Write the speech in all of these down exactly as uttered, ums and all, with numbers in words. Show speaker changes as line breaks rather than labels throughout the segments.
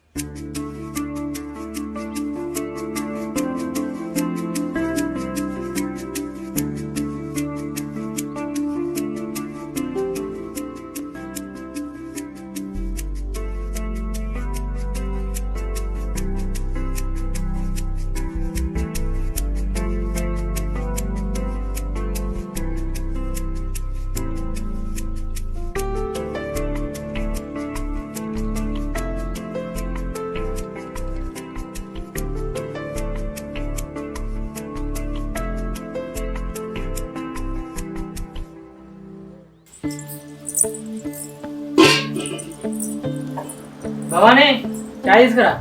భవానీ చాయ్ తీసుకురా.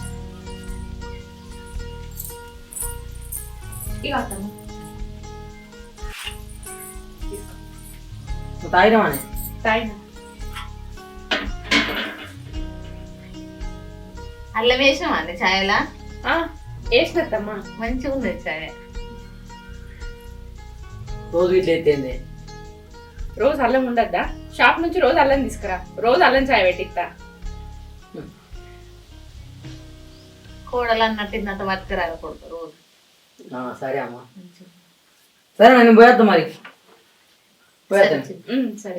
తాగిరమానే
తాగినా. అల్లం వేసినావా అండి ఛాయలా?
వేసినత్తమ్మా.
మంచిగా ఉంది ఛాయ్.
రోజు ఇట్లా ఎత్తేంది.
రోజు అల్లం ఉండద్దా? షాప్ నుంచి రోజు అల్లం తీసుకురా, రోజు అల్లం చాయ్ పెట్టిస్తా.
కూడలు అన్నట్టు ఇంత బతికి రాకూడదు రోజు.
సరే అమ్మా, సరే నేను పోయేద్దాం మరి. పోయేద్దాం.
సరే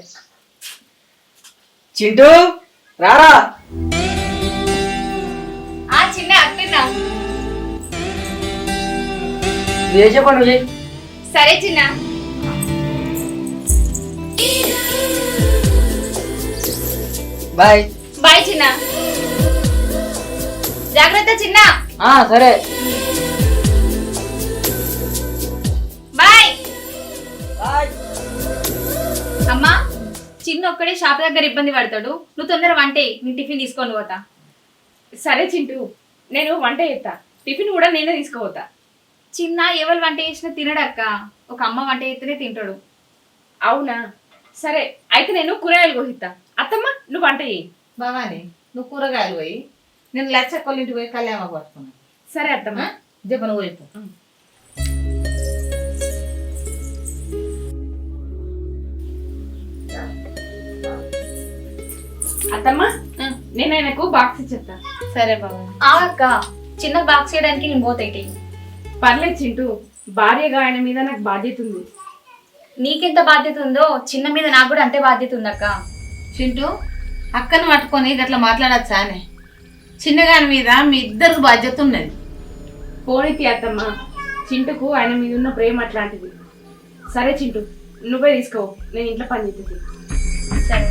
చింటూ రారా.
చిన్న అట్టినా
చేసే పనులు.
సరే చిన్న.
బాయ్
బాయ్ చిన్న. జాగ్రత్త చిన్న.
సరే
బాయ్.
బాయ్.
అమ్మా, చిన్న ఒక్కడే షాప్ దగ్గర ఇబ్బంది పడతాడు, నువ్వు తొందర వంట నీ టిఫిన్ తీసుకొని పోతా. సరే చింటూ, నేను వంట చేస్తా, టిఫిన్ కూడా నేనే తీసుకుపోతా. చిన్న ఎవరు వంట చేసినా తినడక్క, ఒక అమ్మ వంట చేస్తేనే తింటాడు. అవునా, సరే అయితే నేను కూరగాయలు కోసిస్తా. అత్తమ్మ నువ్వు వంట చేయి.
బావాని నువ్వు కూరగాయలు పోయి, నేను లచ్చక్కల ఇంటికి పోయి కళ్యాణ పట్టుకున్నా.
సరే అత్తమ్మ.
జపను పోయిపో.
అత్తమ్మ నేను ఆయనకు బాక్స్ ఇచ్చేస్తా.
సరే బాబా.
అక్క చిన్న బాక్స్ చేయడానికి నేను పోతాయి. పర్లేదు చింటూ, భార్యగా ఆయన మీద నాకు బాధ్యత ఉంది. నీకెంత బాధ్యత ఉందో చిన్న మీద నాకు కూడా అంతే బాధ్యత ఉంది అక్క.
చింటూ, అక్కను పట్టుకొని గట్లా మాట్లాడచ్చా అని? చిన్నగాని మీద మీ ఇద్దరికి బాధ్యత ఉన్నది.
పోనీతి అత్తమ్మ, చింటూకు ఆయన మీద ఉన్న ప్రేమ అట్లాంటిది. సరే చింటూ, నువ్వే తీసుకో, నేను ఇంట్లో పని చేస్తుంది. సరే.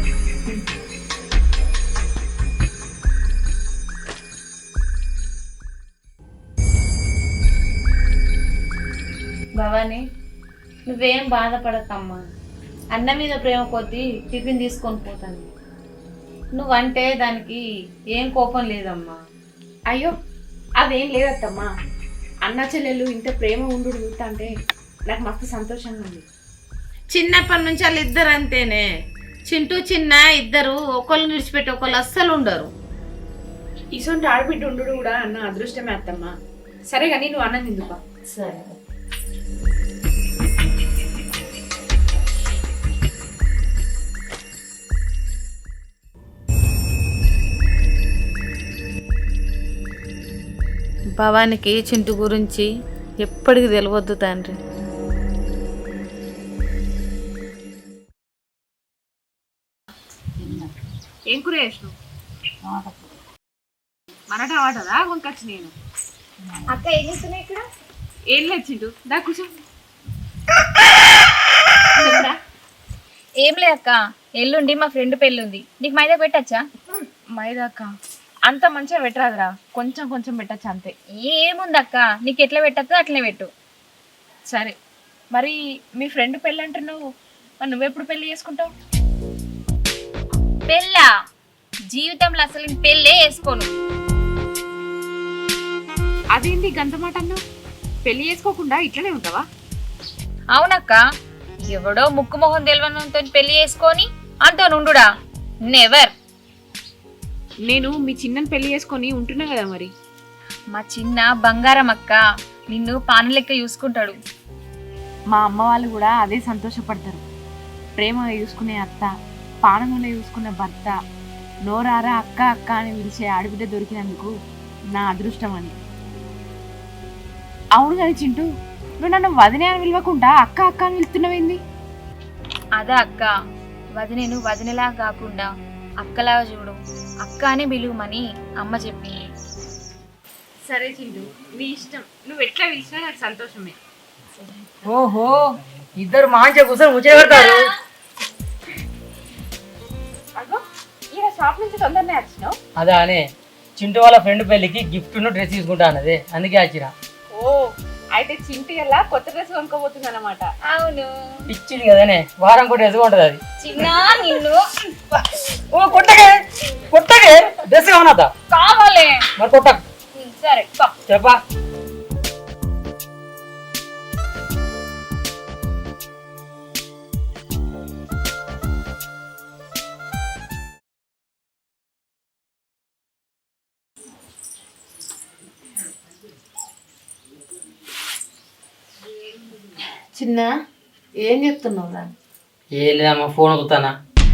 భవాని నువ్వేం బాధపడకమ్మా, అన్న మీద ప్రేమ కొద్దీ టిఫిన్ తీసుకొని పోతాను. నువ్వంటే దానికి ఏం కోపం లేదమ్మా.
అయ్యో అదేం లేదత్తమ్మా, అన్న చెల్లెలు ఇంత ప్రేమ ఉండు చూస్తా అంటే నాకు మస్తు సంతోషంగా ఉంది.
చిన్నప్పటి నుంచి వాళ్ళు ఇద్దరు అంతేనే. చింటూ చిన్న ఇద్దరు ఒకళ్ళు విడిచిపెట్టి ఒకళ్ళు అస్సలు ఉండరు.
ఇసొంటి ఆడబిడ్డ ఉండు కూడా అన్న అదృష్టమే అత్తమ్మా. సరే కానీ నువ్వు అన్నం తిందుపా.
సరే. భవానికి చింటూ గురించి ఎప్పటికి తెలియవద్దు తండ్రి.
ఏం కూర చేసినావు? మన టమాటా కొనుకొచ్చి నేను.
అక్క ఏం చేస్తున్నాయి ఇక్కడ?
ఏం లేదు చింటూ, దా కూర్చో.
ఏం లేదు అక్క, ఎల్లుండి మా ఫ్రెండ్ పెళ్ళి ఉంది, నీకు మైదా పెట్టచ్చా?
మైదా అక్క అంత మంచిగా పెట్టరాదురా, కొంచెం కొంచెం పెట్టచ్చు అంతే.
ఏముంది అక్క, నీకు ఎట్లా పెట్టచ్చో అట్లనే పెట్టు.
సరే మరి మీ ఫ్రెండ్ పెళ్ళి అంటున్నావు, మరి నువ్వెప్పుడు పెళ్లి చేసుకుంటావు?
పెళ్ళా? జీవితంలో అసలు నేను పెళ్ళే వేసుకోను.
అదేంటి గంత మాట అన్నావు? పెళ్లి చేసుకోకుండా ఇట్లనే ఉంటావా?
అవునక్క, ఎవడో ముక్కు మొహం తెలియనంతో పెళ్లి చేసుకొని అంతో నుండుడా? నెవర్.
నేను మీ చిన్నని పెళ్లి చేసుకొని ఉంటున్నా కదా మరి.
మా చిన్న బంగారం అక్క, నిన్ను పాను లెక్క చూసుకుంటాడు.
మా అమ్మ వాళ్ళు కూడా అదే సంతోషపడతారు. ప్రేమగా చూసుకునే అత్త, పానంలో చూసుకునే భర్త నోరారా అక్క అక్క అని పిలిచే ఆడబిడ్డ దొరికినందుకు నా అదృష్టం అని. అవును కానీ చింటూ, నువ్వు నన్ను వదినే అని పిలవకుండా అక్క అక్క అని పిలుస్తున్నావేంది?
అదా అక్క, వదినేను వదినలా కాకుండా అక్కలాగా చూడు, అక్క అని పిలువమని అమ్మ చెప్పింది.
సరే చింటూ, నీ ఇష్టం, నువ్వు ఎట్లా పిలిచినా నాకు సంతోషమే.
ఓహో ఇద్దరు మంచిగా కూర్చొని ముచ్చట పెడతారు.
అగో ఈయన షాప్ నుంచి తొందరనే వచ్చినావు.
అదే అనే చింటూ వాళ్ళ ఫ్రెండ్ పెళ్ళికి గిఫ్ట్ డ్రెస్ తీసుకుంటా అన్నది, అందుకే వచ్చిన.
ఓ అయితే చింటూ ఎలా కొత్త డ్రెస్ కొనుక్కోబోతుంది అనమాట.
అవును,
ఇచ్చింది కదనే, వారం కూడా డ్రెస్ ఉంటుంది అది.
చిన్న నిన్ను
ఓ కొట్టగే కొట్టగే డ్రెస్ కావనదా
కావాలి.
మరి కొట్ట.
సరే
చెప్పా.
చిన్న ఏం చెప్తున్నావు రా?
ఏం లేదమ్మా, ఫోన్ వదుతానా.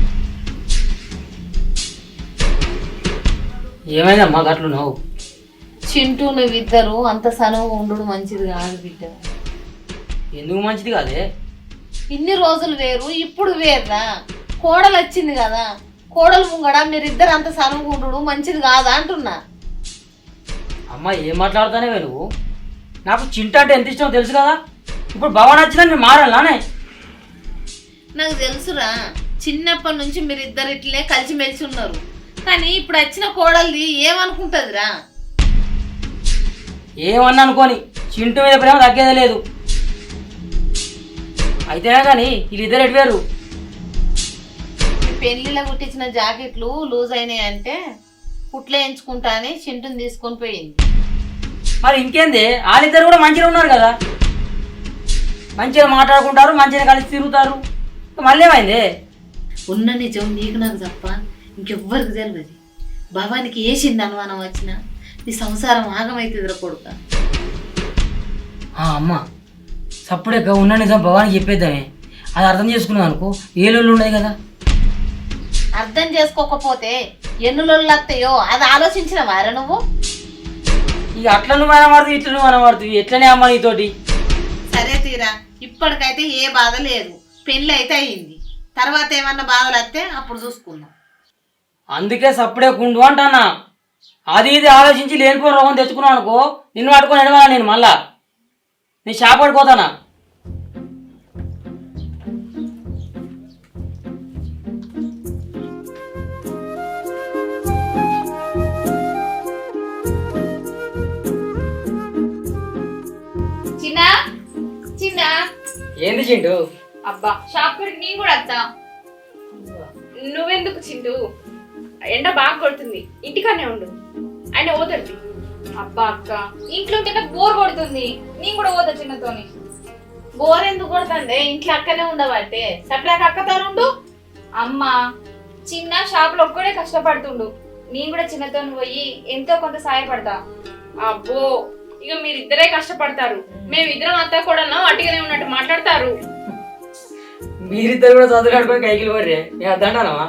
ఏమైందమ్మా గట్లు నువ్వు?
చింటూ నువ్విద్దరు అంత సనువు ఉండు మంచిది కాదు బిడ్డ.
ఎందుకు మంచిది కాదే?
ఇన్ని రోజులు వేరు, ఇప్పుడు వేరురా. కోడలు వచ్చింది కదా, కోడలు ముంగడ మీరిద్దరు అంత సనువు ఉండు మంచిది కాదా అంటున్నా.
అమ్మా ఏం మాట్లాడుతానే నువ్వు? నాకు చింట అంటే ఎంత ఇష్టమో తెలుసు కదా. ఇప్పుడు భవన్ వచ్చినా నేను మారాలానే?
నాకు తెలుసురా, చిన్నప్పటి నుంచి మీరిద్దరు ఇట్లే కలిసిమెలిసి ఉన్నారు. కానీ ఇప్పుడు వచ్చిన కోడలిది ఏమనుకుంటుందిరా?
ఏమన్నా అనుకోని చింటు మీద ప్రేమ తగ్గేదే లేదు. అయితేనే కానీ వీళ్ళిద్దరు ఎటు వేరు.
పెళ్లిలో కుట్టించిన జాకెట్లు లూజ్ అయినాయి అంటే కుట్లే ఎంచుకుంటా అని చింటుని తీసుకొని పోయింది.
మరి ఇంకేంది, వాళ్ళిద్దరు కూడా మంచిగా ఉన్నారు కదా, మంచిగా మాట్లాడుకుంటారు, మంచిగా కలిసి తిరుగుతారు. మళ్ళీ ఏమైంది?
ఉన్న నిజం నీకు నాకు తప్ప ఇంకెవ్వరికి తెలియదు. భవానికి వేసింది అనుమానం వచ్చినా నీ సంసారం ఆగమైతుందిరా కొడుక.
అమ్మ సప్పుడే ఉన్న నిజం భవానికి చెప్పేద్దామే, అది అర్థం చేసుకున్నావు అనుకో ఏ లోళ్ళు ఉండదు కదా.
అర్థం చేసుకోకపోతే ఎన్ని లొల్లు వస్తాయో అది ఆలోచించిన వారా నువ్వు?
ఇక అట్లా నువ్వు అనమాడుతు ఇట్లా నువ్వు అనమాడుతు ఎట్లనే అమ్మ నీతోటి.
సరే తీరా, ఇప్పటికైతే ఏ బాధ లేదు, పెళ్ళి అయితే అయ్యింది. తర్వాత ఏమన్నా బాధలు వస్తే అప్పుడు చూసుకుందాం.
అందుకే సప్పుడే కుండు అంటానా. అది ఇది ఆలోచించి లేనిపోయిన రోగం తెచ్చుకున్నావు అనుకో, నిన్ను పట్టుకొని ఎడవాలా నేను మళ్ళా. నేను షాప్ పడిపోతానా?
చిన్న చిన్న
ఏంది చింటూ?
అబ్బా
షాప్ కడికి నేను కూడా వస్తా.
నువ్వెందుకు చింటూ, ఎండ బాగా కొడుతుంది, ఇంటికనే ఉండు. ఆయన పోతాడు.
అబ్బా అక్క, ఇంట్లో ఉంటే నాకు బోర్ కొడుతుంది, నేను కూడా పోతా చిన్నతోని.
బోర్ ఎందుకు కొడుతుండే? ఇంట్లో అక్కనే ఉండబట్టే సప్లాక్ అక్కతో ఉండు.
అమ్మ చిన్న షాప్ లో ఒక్కడే కష్టపడుతుండు, నేను కూడా చిన్నతో పోయి ఎంతో కొంత సాయపడతా.
అబ్బో ఇక మీరిద్దరే కష్టపడతారు, మేమిద్దరం అంతా కూడా అట్టిగానే ఉన్నట్టు మాట్లాడతారు.
మీరిద్దరు కూడా చదువులాడుకొని కైకిలు పర్రే నేను అద్దంటానమ్మా.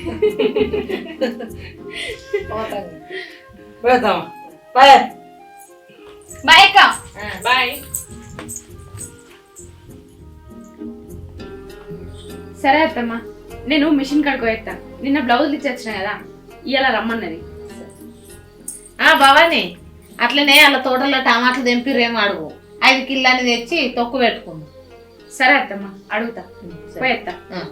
పోతామా? బాయ్
బాయ్ అక్క.
బాయ్. సరే అత్తమ్మ, నేను మిషన్ కడుకో ఎత్తా. నిన్న బ్లౌజులు ఇచ్చి కదా, ఇవాళ రమ్మన్నది.
ఆ భవాని, అట్లనే అలా తోటలో టమాటాలు తెంపిరేమో అడుగు, ఐదు కిల్లని తెచ్చి తొక్కు పెట్టుకుంది.
సరే అత్తమ్మ, అడుగుతా, పోయేత్తా.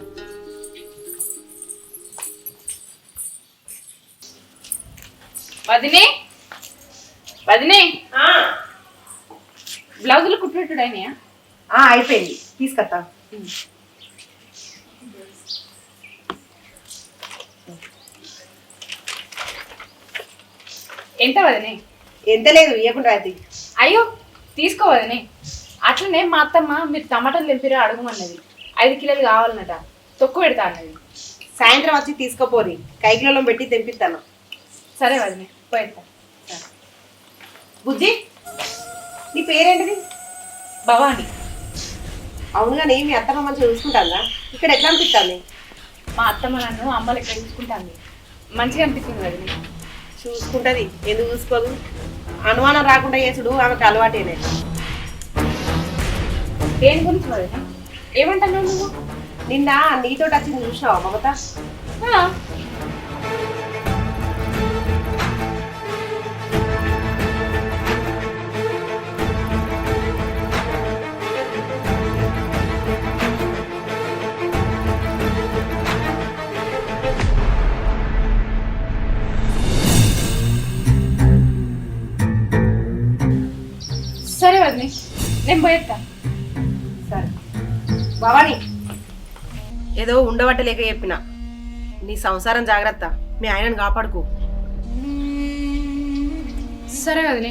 వదినే వదినే బ్లౌజులు కుట్టినట్టు అయినాయా?
అయిపోయింది, తీసుకొస్తా.
ఎంత వదినే?
ఎంత లేదు, ఇవ్వకుండా అది.
అయ్యో తీసుకోవదనే. అట్లనే మా అత్తమ్మ మీరు టమాటాలు తెంపిరా అడుగుమన్నది, ఐదు కిలోలు కావాలన్నట, తొక్కు పెడతా అన్నది.
సాయంత్రం వచ్చి తీసుకోపోరి, కైకిలలో పెట్టి తెంపిస్తాను.
సరే వదినే, పోయేస్తా.
బుజ్జి, నీ పేరేంటిది?
భవాని.
అవునుగానే మీ అత్తమ్మ మంచిగా చూసుకుంటాందా? ఇక్కడ ఎట్లా అనిపిస్తుంది?
మా అత్తమ్మ నన్ను అమ్మలు ఎక్కడ చూసుకుంటాంది. మంచిగా అనిపిస్తుంది వదిన.
చూసుకుంటది, ఎందుకు చూసుకోదు? అనుమానం రాకుండా చేసుడు ఆమెకు అలవాటేనే.
దేని గురించి వదిన? ఏమంటున్నావు నువ్వు?
నిన్న నీతో వచ్చింది చూసావా మమత?
ఆ, సరే వదిన, నేను పోయేస్తా.
సరే భవాని, ఏదో ఉండబట్టలేక చెప్పిన, నీ సంసారం జాగ్రత్త, మీ ఆయనను కాపాడుకో.
సరే వదిన.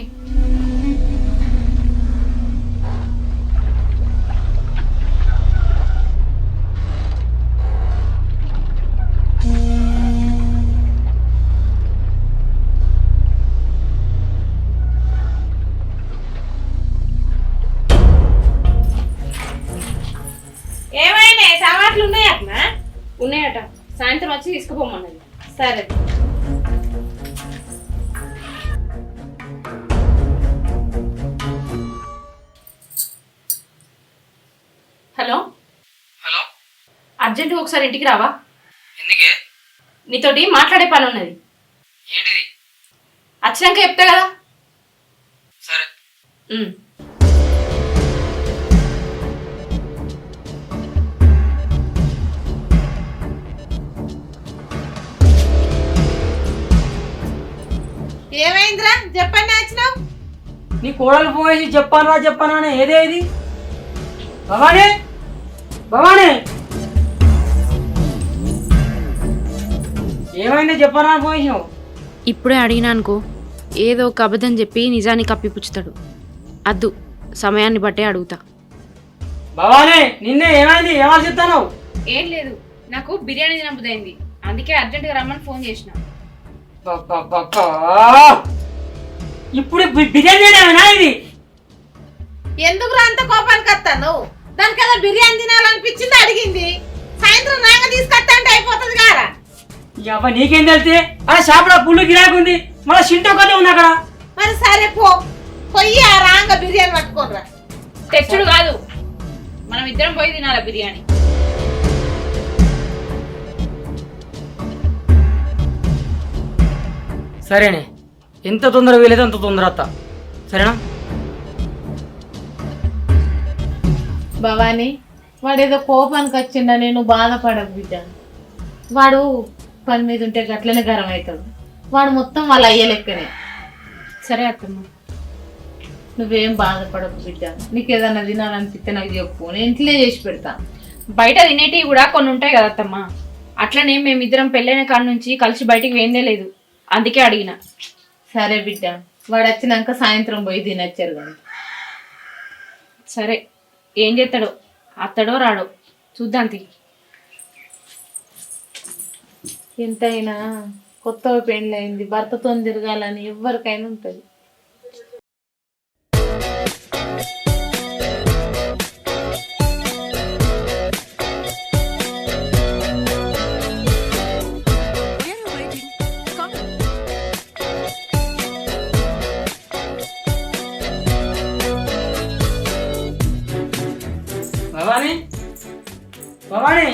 ఏమైనా సామాట్లు ఉన్నాయా అట్నా?
ఉన్నాయట, సాయంత్రం వచ్చి తీసుకుపోమన్నది.
సరే.
హలో
హలో,
అర్జెంటుగా ఒకసారి ఇంటికి రావా?
ఎందుకే?
నీతోటి మాట్లాడే పని ఉన్నది.
ఏంటిది?
వచ్చినాక చెప్తా కదా.
సరే.
ఉమ్.
ఏమైందిరా? చెప్పండి వచ్చినావు.
నీ కోడలు పోయేసి చెప్పాను రా చెప్పాను అని ఏదే ఇది? భవానీ, భవానీ, ఏమైంది చెప్పాను అని పోయేసావు?
ఇప్పుడే అడిగినానుకో ఏదో ఒక అబద్ధం చెప్పి నిజాన్ని కప్పిపుచ్చుతాడు. అద్దు, సమయాన్ని బట్టే అడుగుతా.
భవానీ, నిన్నే ఏమైంది? ఏమని చెప్తాను?
ఏం లేదు, నాకు బిర్యానీ తినబుద్దైంది, అందుకే అర్జెంటుగా రమ్మని ఫోన్ చేసిన.
ఇప్పుడు బి- బిర్యానీ చేయడమేనా ఇది?
ఎందుకు అంత కోపానికి వస్తాను? దానికి కదా బిర్యానీ తినాలనిపించింది, అడిగింది. సాయంత్రం రాగా తీసుకొస్తా అంటే అయిపోతుంది కారా?
అబ్బా నీకేం తెలితే? అరే షాపులో పుల్లు గిరాకు ఉంది, మళ్ళీ షింటో కథ ఉంది అక్కడ.
మరి సరే పో, పోయి ఆ రాంగ బిర్యానీ పట్టుకోనరా.
తెచ్చుడు కాదు, మనం ఇద్దరం పోయి తినాల బిర్యానీ.
సరేనే, ఎంత తొందర వీలైతే అంత తొందర అత్త, సరేనా?
భవానీ, వాడేదో కోపానికి వచ్చిందా, నేను బాధపడకు బిడ్డ. వాడు పని మీద ఉంటే గట్లనే గరం అవుతాడు. వాడు మొత్తం వాళ్ళ అయ్యే లెక్కనే.
సరే అత్తమ్మ.
నువ్వేం బాధపడకు బిడ్డ. నీకు ఏదన్నా తినాలనిపిస్తే నాకు చెప్పు, నేను ఇంట్లో చేసి పెడతా.
బయట తినేటివి కూడా కొన్ని ఉంటాయి కదా అత్తమ్మ. అట్లనే మేమిద్దరం పెళ్ళైన కాడ నుంచి కలిసి బయటికి వేందే లేదు, అందుకే అడిగిన.
సరే బిడ్డ, వాడు వచ్చినాక సాయంత్రం పోయి తినొచ్చారు కానీ.
సరే, ఏం చేస్తాడో, అత్తడో రాడో చూద్దాం తీ.
ఎంతైనా కొత్త పెళ్ళయింది, భర్తతో తిరగాలని ఎవరికైనా ఉంటుంది.
భవానీ, భవానీ,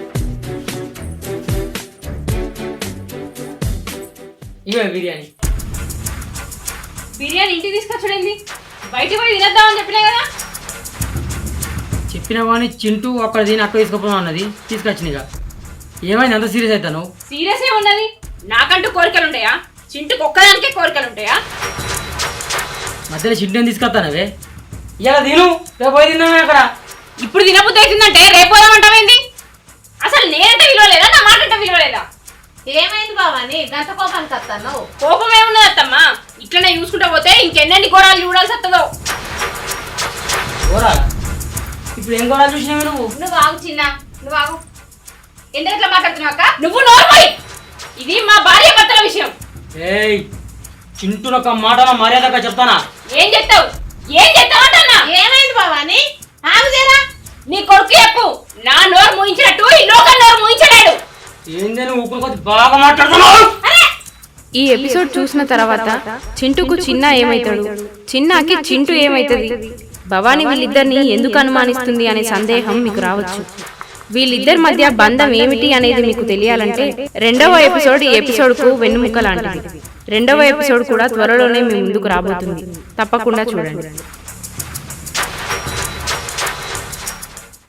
ఇవే బిర్యానీ.
బిర్యానీ ఇంటికి తీసుకొచ్చాడండి, బయటికి పోయి తినేద్దామని చెప్పినా కదా.
చెప్పిన వాడిని చింటూ అక్కడ దీని అక్కడ తీసుకుపోదాం అన్నది, తీసుకొచ్చినగా. ఏమైంది అంత సీరియస్ అవుతాను?
సీరియస్ ఏమున్నది, నాకంటూ కోరికలు ఉంటాయా? చింటుకు ఒక్కదానికే కోరికలు ఉంటాయా?
మధ్యలో చింటూని తీసుకొస్తానవే. ఇలా తిను, రేపు పోయి తిన్నామే అక్కడ.
ఇప్పుడు తినబుద్ధి అవుతుందంటే రేపు పోదామంటావేంది? అసలు నేనంటే విలువ లేదా, నా మాట అంటే విలువ లేదా?
ఏమైంది భవానీ, గంట కోపానికి వస్తాను?
కోపం ఏమున్నది అత్తమ్మా, ఇట్లనే చూసుకుంటా పోతే ఇంకెన్నెన్ని ఘోరాలు చూడాల్సి వస్తుందో.
కూరాలా? ఇప్పుడు ఏం కూరాలు చూసినావు నువ్వు?
నువ్వు ఆగు చిన్న, నువ్వు ఆగు. ఎందుకు ఇట్లా మాట్లాడుతున్నావు అక్క? నువ్వు నోర్మోయ్, ఇది మా భార్య భర్తల విషయం.
ఏయ్, చింటూని ఒక మాటలో మర్యాదగా చెప్తానా?
ఏం చెప్తావు, ఏం చెప్తావు అంటన్నా?
ఏమైంది భవానీ, ఆగు జరా.
నీ కొడుకు చెప్పు, నా నోరు మూయించినట్టు ఈ లోకం నోరు మూయించలేడు.
ఏందని ఊపిరి కొద్ది బాగా మాట్లాడుతున్నావు.
ఈ ఎపిసోడ్ చూసిన తర్వాత చింటూకు చిన్న ఏమైతాడు, చిన్నాకి చింటూ ఏమైతుంది, భవానీ వీళ్ళిద్దరిని ఎందుకు అనుమానిస్తుంది అనే సందేహం మీకు రావచ్చు. వీళ్ళిద్దరి మధ్య బంధం ఏమిటి అనేది మీకు తెలియాలంటే రెండవ ఎపిసోడ్ ఈ ఎపిసోడ్కు వెన్నుముక్క లాంటిది. రెండవ ఎపిసోడ్ కూడా త్వరలోనే మీ ముందుకు రాబోతుంది. తప్పకుండా చూడండి.